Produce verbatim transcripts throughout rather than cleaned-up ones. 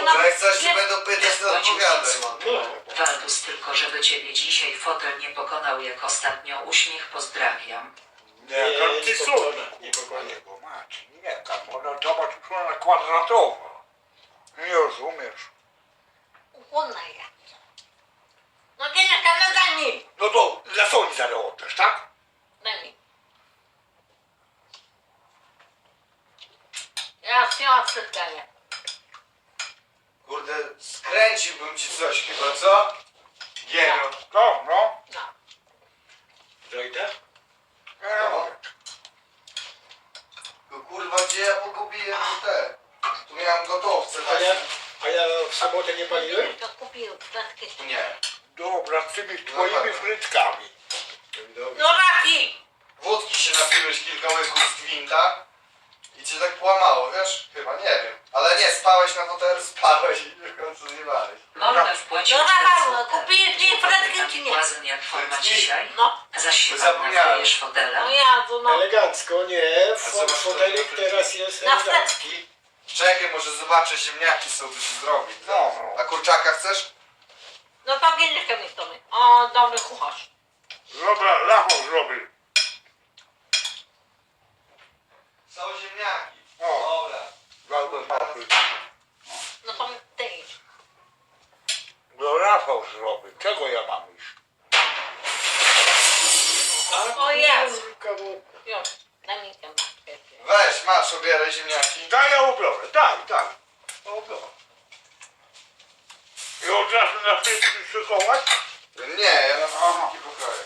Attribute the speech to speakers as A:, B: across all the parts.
A: jedną...
B: Jak coś się
A: nie-
B: będą pytać, to
C: Wpłacił
B: odpowiadaj.
C: pięć złotych. Waldus, tylko żeby ciebie dzisiaj fotel nie pokonał jak ostatnio. Uśmiech, pozdrawiam.
D: Nie, tam ty
E: spokojnie,
D: sól.
E: spokojnie.
D: Bo macie, nie, tam ona zobacz, już ona kwadratowa. Nie rozumiesz.
A: Głodna ja. No Agnieszka, no daj mi.
D: No to dla Soni zaraz oddasz, tak?
A: Daj mi. Ja chciałam wszystkie.
B: Kurde, skręciłbym ci coś chyba, co? Giero.
D: To, no.
A: No.
E: Zajdę?
B: No. No kurwa, gdzie ja pogubiłem te? Tu miałem gotowce,
E: A
B: tak?
E: ja, a ja w sobotę nie paliłem?
A: Agnieszka kupił frytki.
B: Nie.
D: Dobra, z tymi twoimi frytkami.
E: Dobrze.
A: No Raki!
B: Wódki się napiłeś kilka łyków z gwinta i cię tak połamało, wiesz? Chyba, nie wiem. Ale nie, spałeś na fotelu, spałeś i w końcu zjebałeś.
C: Molda wpłacił
A: No,
C: cztery
A: Rafał,
C: złote.
A: kupiłeś mi frytki czy nie?
C: Błazen jak forma
B: Frytki?
C: dzisiaj.
A: No.
C: Zaś się
B: Zapomniałem.
C: nakryjesz fotelem.
A: No ja, to no.
E: Elegancko, nie.
B: A co
E: Fo-
B: masz
E: Fotelik
B: tu?
E: teraz jest
A: Na
E: elegancki.
B: Czekaj, może zobaczę, ziemniaki są, by się zrobić.
D: No.
B: A kurczaka chcesz?
A: No to Agnieszka mi to mi. O, dobry kucharz.
D: Dobra, Rafał zrobił.
B: Są ziemniaki.
D: O.
B: Dobra.
D: Bardzo dobry.
A: No to ty idź.
D: No Rafał zrobił. Czego ja mam iść?
A: O jest.
E: Kurka, bo-
A: Już. Daj mi tę matkę.
B: Weź, masz, obieraj ziemniaki.
D: Daj, ja ubiorę, daj, daj. Ja ubiorę. I od razu na frytki szykować?
B: Nie, ja na frytki pokroję.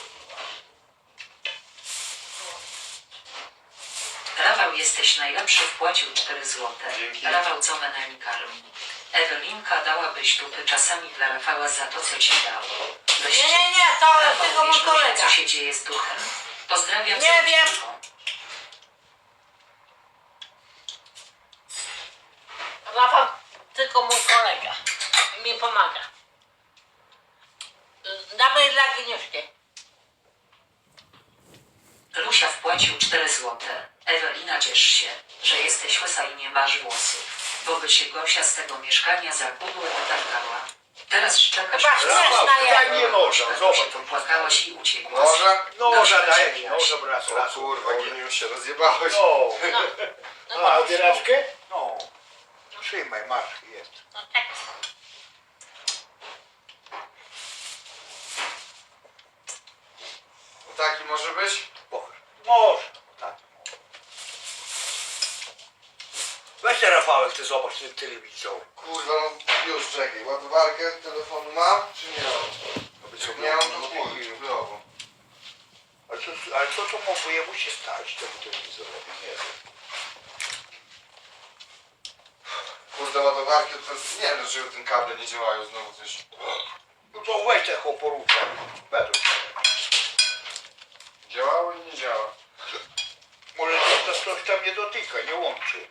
C: Rafał, jesteś najlepszy, wpłacił cztery złote.
B: Dzięki.
C: Rafał, co menami karmi. Ewelinka, dałabyś dupy czasami dla Rafała za to, co ci dał.
A: Nie, nie, nie, to
C: Rafał,
A: tego mój
C: wiesz może,
A: kolega.
C: co się dzieje z duchem? Pozdrawiam.
A: Nie
C: serdecznie.
A: wiem. Rafał, tylko mój kolega. Mi pomaga. Dawaj dla Agnieszki.
C: Lusia wpłacił cztery złote. Ewelina, ciesz się, że jesteś łysa i nie masz włosów, bo by się Gosia z tego mieszkania za pudło wytargała. Teraz szczekasz.
A: Chyba śmieszna
D: Rafał,
A: jest.
D: daj mnie noża,
C: Się
D: zobacz.
C: popłakałaś i uciekłaś.
B: Może?
D: Noża daj mi, noża raz,
B: O
D: raz.
B: kurwa, geniusz się rozjebałeś.
D: No,
A: No, no,
E: A,
A: no,
E: obieraczkę?
D: no. Trzymaj, masz, jest.
A: no tak.
B: Taki może być?
D: Może. Może. Tak. Weź te Rafałek, ty zobacz ten telewizor.
B: Kurwa, no już czekaj. Ładowarkę telefonu mam, czy nie mam? Jak nie mam, to chuj, wyrobu.
D: Ale co, ale co to mogło jemu się stać temu telewizorowi? Nie wiem.
B: Kurde, ładowarki, to jest, nie wiem dlaczego ten kable nie działają znowu coś.
D: No to weź te choporówkę. Według.
B: Działało i nie działa.
D: Może to coś tam nie dotyka, nie łączy.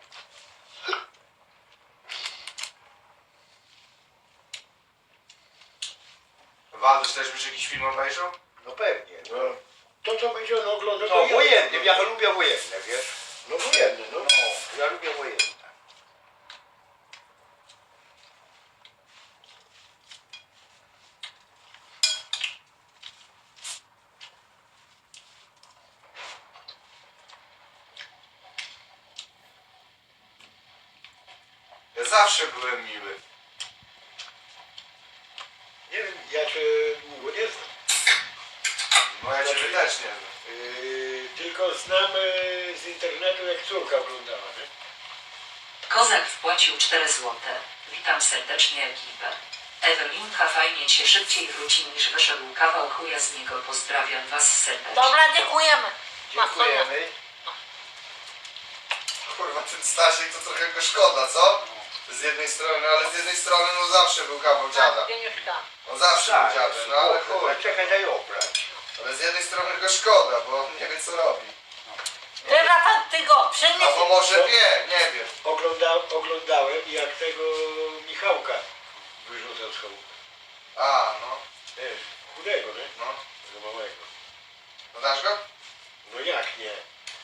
B: Waldysz też byś jakiś film obejrzał?
D: No pewnie.
E: No. To, co będzie on oglądał,
D: No
E: to ja.
D: wojenny, ja lubię wojenne, wiesz?
E: No wojenny, no.
D: No, ja lubię wojenne.
B: Ja zawsze byłem miły.
E: Nie wiem, ja cię długo nie znam.
B: No ja ciebie też nie wiem.
E: Yy, tylko znam yy, z internetu, jak córka oglądała, nie?
C: Kozak wpłacił cztery złote. Witam serdecznie ekipę. Ewelinka, fajnie cię, szybciej wróci niż wyszedł kawał chuja z niego. Pozdrawiam was serdecznie.
A: Dobra, dziękujemy.
D: Dziękujemy.
B: Kurwa, ten Stasiek to trochę go szkoda, co? Z jednej strony, ale z jednej strony no zawsze był kawał dziada.
A: Agnieszka.
B: On zawsze był dziadem, no ale chuj.
D: Ale czekaj, daj obrać.
B: Ale z jednej strony go szkoda, bo on nie wie co robi.
A: Ty Rafał, ty go przynieś.
B: Albo może wie, nie wiem.
E: Ogląda, oglądałem, jak tego Michałka wyrzucał z chałupy.
B: A, no,
E: Wiesz, chudego, nie?
B: no.
E: Tego małego.
B: No dasz go?
E: No jak nie?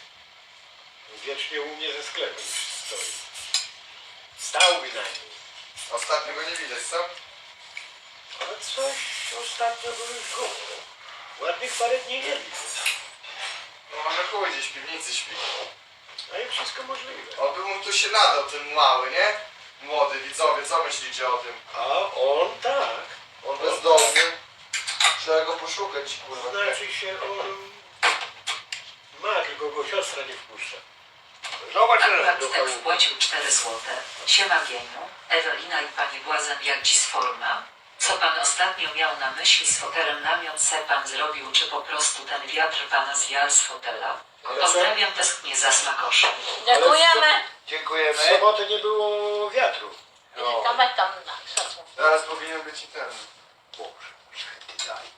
E: Wiecznie u mnie ze sklepem stoi. Stał bynajmniej.
B: Ostatnio go nie widać, co?
E: Ale coś ostatnio był już głupio. Ładnych parę dni nie widzę.
B: No może chuj, gdzieś w piwnicy śpi.
E: A i wszystko możliwe.
B: Oby mu tu się nadał, ten mały, nie? Młody, widzowie, co myślicie o tym?
E: A on tak.
B: On bezdomny. Trzeba go poszukać, kurwa.
E: Znaczy się on ma, tylko go siostra nie wpuszcza.
D: Zobacz,
C: Akurat
E: do
C: tak
E: chałupy.
C: wpłacił cztery złote. Siema Gieniu, Ewelina i pani Błazen, jak dziś forma? Co pan ostatnio miał na myśli z fotelem, namiot se pan zrobił, czy po prostu ten wiatr pana zjadł z fotela?
E: Ale
C: Pozdrawiam tęsknię za smakoszem.
A: Dziękujemy.
E: w
B: Dziękujemy.
E: sobotę nie było wiatru.
B: No.
A: Tam, tam na krzesło.
B: Teraz powinien być i ten.
D: Boże, święty daj.